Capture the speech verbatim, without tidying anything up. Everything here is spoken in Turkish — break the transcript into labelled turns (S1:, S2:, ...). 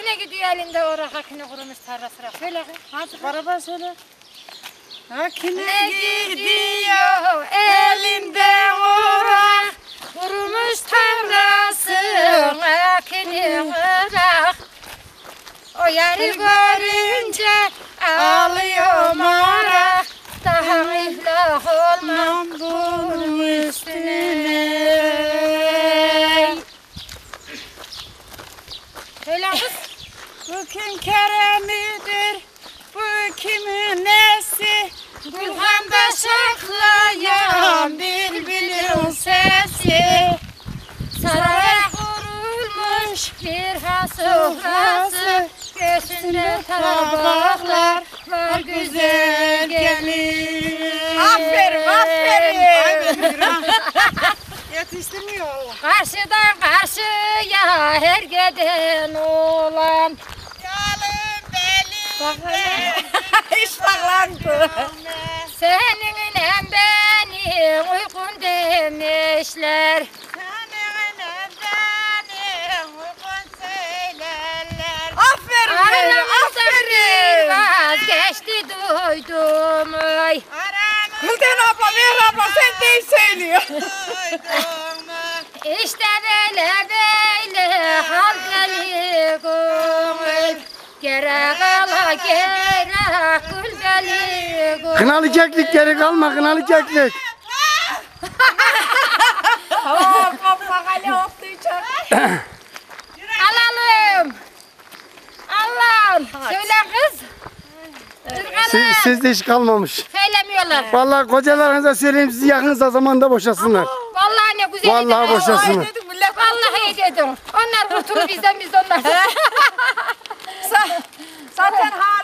S1: Kime gidiyor elinde o rakakini kurumuş tarlası rak. Söyle kız.
S2: Hadi beraber söyle. Hakine
S1: Ne
S2: gidiyor
S1: gidiyor elinde orak, kurumuş tarlası akini kırak. O yarı görünce ağlıyor marak, daha iflah olmam bunun üstüne. Söyle kız.
S2: Bu kim Kerem'idir, bu kimin nesi? Gülhan'da şaklayan bülbülün sesi.
S1: Saraya kurulmuş bir has sofrası, göğsünde tabaklar var güzel gelin.
S2: Aferin, aferin. Yetiştirmiyor Allah.
S1: Karşıdan karşıya her giden olan.
S2: Yalın belim. İştahlandı.
S1: Seninle beni uykun demişler.
S2: Aferin benim,
S1: Aramızda
S2: aferin.
S1: vazgeçti duydum. Ay.
S2: Gülden abla, Meher abla sen değil söylüyor.
S1: İşte böyle böyle hal deli gönül. Gerek ala gerek gül deli gönül.
S3: Kınalı keklik geri kalma, kınalı keklik.
S2: Hop hop bakale hoplayacak.
S1: Alalım. Allah'ım. Söyle kız.
S3: Siz,
S1: Kız
S3: sizde iş kalmamış.
S1: söylemiyorlar.
S3: Vallahi kocalarınıza söyleyeyim sizi yakınsa zamanda boşasınlar.
S1: Vallahi ne güzel.
S3: Vallahi
S1: dedim.
S3: boşasınlar.
S1: Vallahi iyi dedim. Onlar kurtulur bizden biz de onlar.
S2: Zaten ha